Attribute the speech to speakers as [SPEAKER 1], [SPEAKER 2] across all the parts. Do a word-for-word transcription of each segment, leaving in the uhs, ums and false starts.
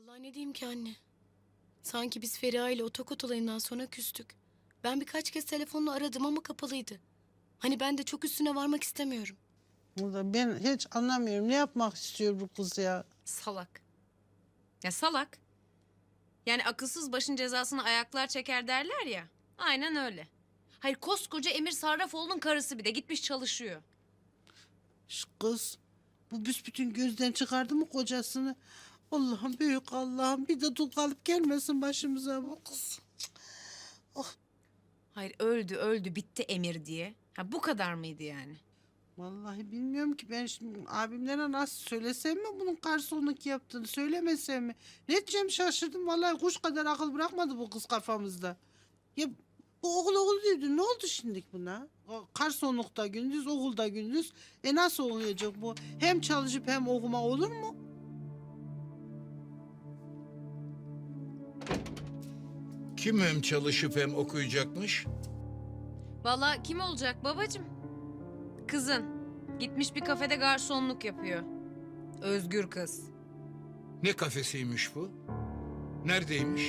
[SPEAKER 1] Vallahi ne diyeyim ki anne? Sanki biz Feriha ile otokot olayından sonra küstük. Ben birkaç kez telefonla aradım ama kapalıydı. Hani ben de çok üstüne varmak istemiyorum.
[SPEAKER 2] Burada ben hiç anlamıyorum. Ne yapmak istiyor bu kız ya?
[SPEAKER 3] Salak. Ya salak. Yani akılsız başın cezasını ayaklar çeker derler ya. Aynen öyle. Hayır koskoca Emir Sarrafoğlu'nun karısı bir de gitmiş çalışıyor.
[SPEAKER 2] Şu kız bu büsbütün gözden çıkardı mı kocasını? Allah'ım büyük Allah'ım bir de dul kalıp gelmesin başımıza bu kız.
[SPEAKER 3] Hayır öldü öldü bitti Emir diye. Ha bu kadar mıydı yani?
[SPEAKER 2] Vallahi bilmiyorum ki ben şimdi abimlere nasıl söylesem mi bunun garsonluk yaptığını söylemesem mi? Ne diyeceğim şaşırdım vallahi kuş kadar akıl bırakmadı bu kız kafamızda. Ya bu okul okul diyordu ne oldu şimdi buna? O garsonlukta gündüz okulda gündüz. E nasıl olacak bu? Hem çalışıp hem okuma olur mu?
[SPEAKER 4] Kim hem çalışıp hem okuyacakmış?
[SPEAKER 3] Vallahi kim olacak babacığım? Kızın. Gitmiş bir kafede garsonluk yapıyor. Özgür kız.
[SPEAKER 4] Ne kafesiymiş bu? Neredeymiş?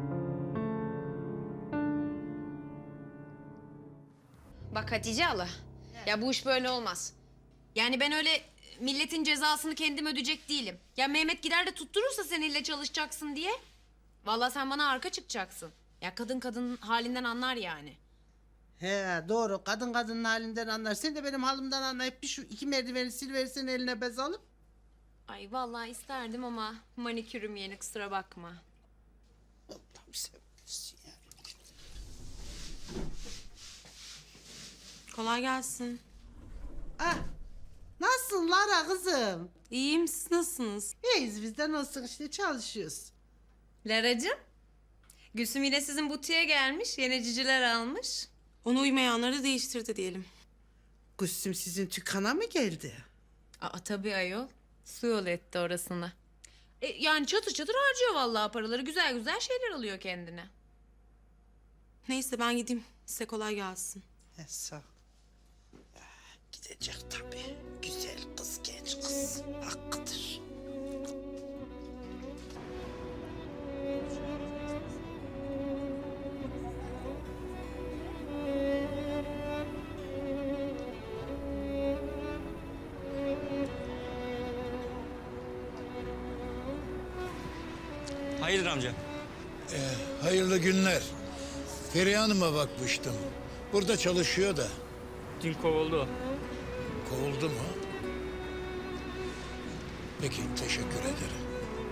[SPEAKER 3] Bak Hatice hala. Ya bu iş böyle olmaz. Yani ben öyle milletin cezasını kendim ödeyecek değilim. Ya Mehmet gider de tutturursa seninle çalışacaksın diye. Vallahi sen bana arka çıkacaksın. Ya kadın kadın halinden anlar yani.
[SPEAKER 2] He doğru kadın kadının halinden anlar. Sen de benim halimden anlayıp bir şu iki merdiveni silverirsen eline bez alıp.
[SPEAKER 3] Ay vallahi isterdim ama manikürüm yeni kusura bakma.
[SPEAKER 2] Allah'ım sen bilirsin ya.
[SPEAKER 5] Kolay gelsin.
[SPEAKER 2] Ah, nasılsın Lara kızım?
[SPEAKER 5] İyiyim, siz nasılsınız?
[SPEAKER 2] İyiyiz bizden olsun işte çalışıyoruz.
[SPEAKER 3] Laracığım. Gülsüm yine sizin butiğe gelmiş. Yeni ciciler almış.
[SPEAKER 5] Ona uymayanları da değiştirdi diyelim.
[SPEAKER 2] Gülsüm sizin dükkana mı geldi?
[SPEAKER 3] Aa tabii ayol. Su yol etti orasını. E, yani çatır çatır harcıyor vallahi paraları. Güzel güzel şeyler alıyor kendine.
[SPEAKER 5] Neyse ben gideyim. Size kolay gelsin.
[SPEAKER 2] He sağ ol. Ya, gidecek tabii. Güzel kız, genç kız. Hakkıdır.
[SPEAKER 6] Hayırdır amca?
[SPEAKER 4] Hayırlı günler. Feriha Hanım'a bakmıştım. Burada çalışıyor da.
[SPEAKER 6] Dün kovuldu o.
[SPEAKER 4] Kovuldu mu? Peki, teşekkür ederim.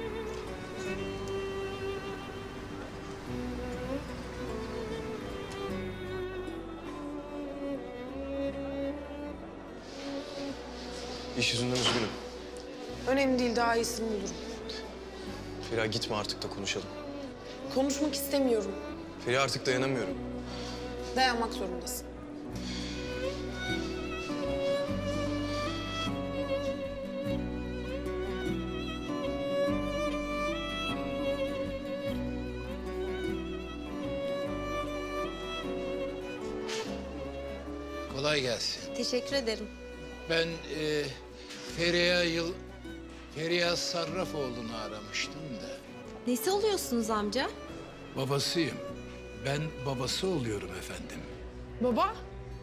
[SPEAKER 7] İş yüzünden üzgünüm.
[SPEAKER 8] Önemli değil, daha iyisini bulurum.
[SPEAKER 7] Feriha gitme artık da konuşalım.
[SPEAKER 8] Konuşmak istemiyorum.
[SPEAKER 7] Feriha artık dayanamıyorum.
[SPEAKER 8] Dayanmak zorundasın.
[SPEAKER 4] Kolay gelsin.
[SPEAKER 3] Teşekkür ederim.
[SPEAKER 4] Ben e, Feriha Yıl... Feriha Sarrafoğlu'nu aramıştım da.
[SPEAKER 9] Nesi oluyorsunuz amca?
[SPEAKER 4] Babasıyım. Ben babası oluyorum efendim.
[SPEAKER 8] Baba?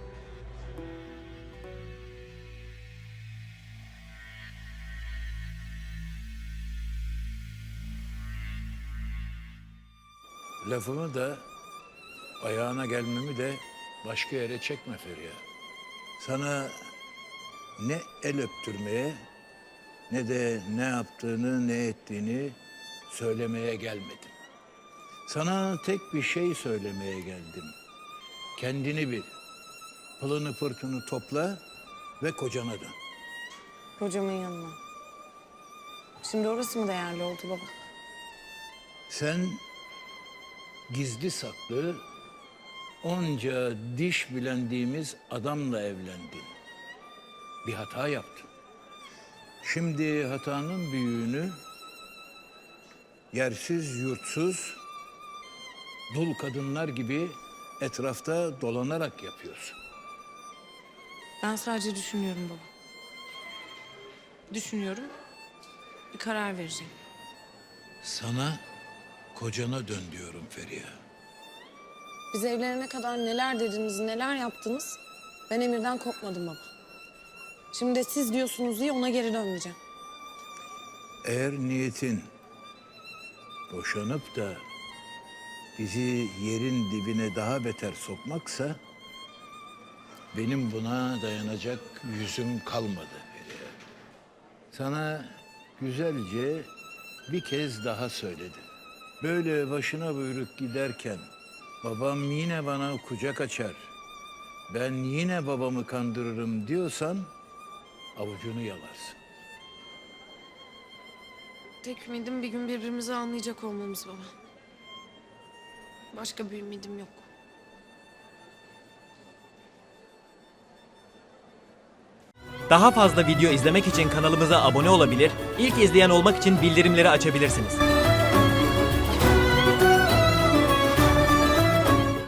[SPEAKER 4] Lafımı da, ayağına gelmemi de başka yere çekme Feriha. Sana ne el öptürmeye ne de ne yaptığını ne ettiğini söylemeye gelmedim. Sana tek bir şey söylemeye geldim. Kendini bil. Pılını pırtını topla ve kocana dön.
[SPEAKER 8] Hocamın yanına. Şimdi orası mı değerli oldu baba?
[SPEAKER 4] Sen gizli saklı onca diş bilendiğimiz adamla evlendin. Bir hata yaptın. Şimdi hatanın büyüğünü yersiz yurtsuz dul kadınlar gibi etrafta dolanarak yapıyorsun.
[SPEAKER 5] Ben sadece düşünüyorum baba. Düşünüyorum. Bir karar vereceğim.
[SPEAKER 4] Sana kocana dön diyorum Feriha.
[SPEAKER 8] Biz evlenene kadar neler dediniz, neler yaptınız. Ben Emir'den kopmadım baba. Şimdi de siz diyorsunuz diye ona geri dönmeyeceğim.
[SPEAKER 4] Eğer niyetin boşanıp da bizi yerin dibine daha beter sokmaksa benim buna dayanacak yüzüm kalmadı Feriha. Sana güzelce bir kez daha söyledim. Böyle başına buyruk giderken babam yine bana kucak açar, ben yine babamı kandırırım diyorsan avucunu yalarsın.
[SPEAKER 8] Tek ümidim bir gün birbirimizi anlayacak olmamız baba. Başka bir ümidim yok.
[SPEAKER 6] Daha fazla video izlemek için kanalımıza abone olabilir, ilk izleyen olmak için bildirimleri açabilirsiniz.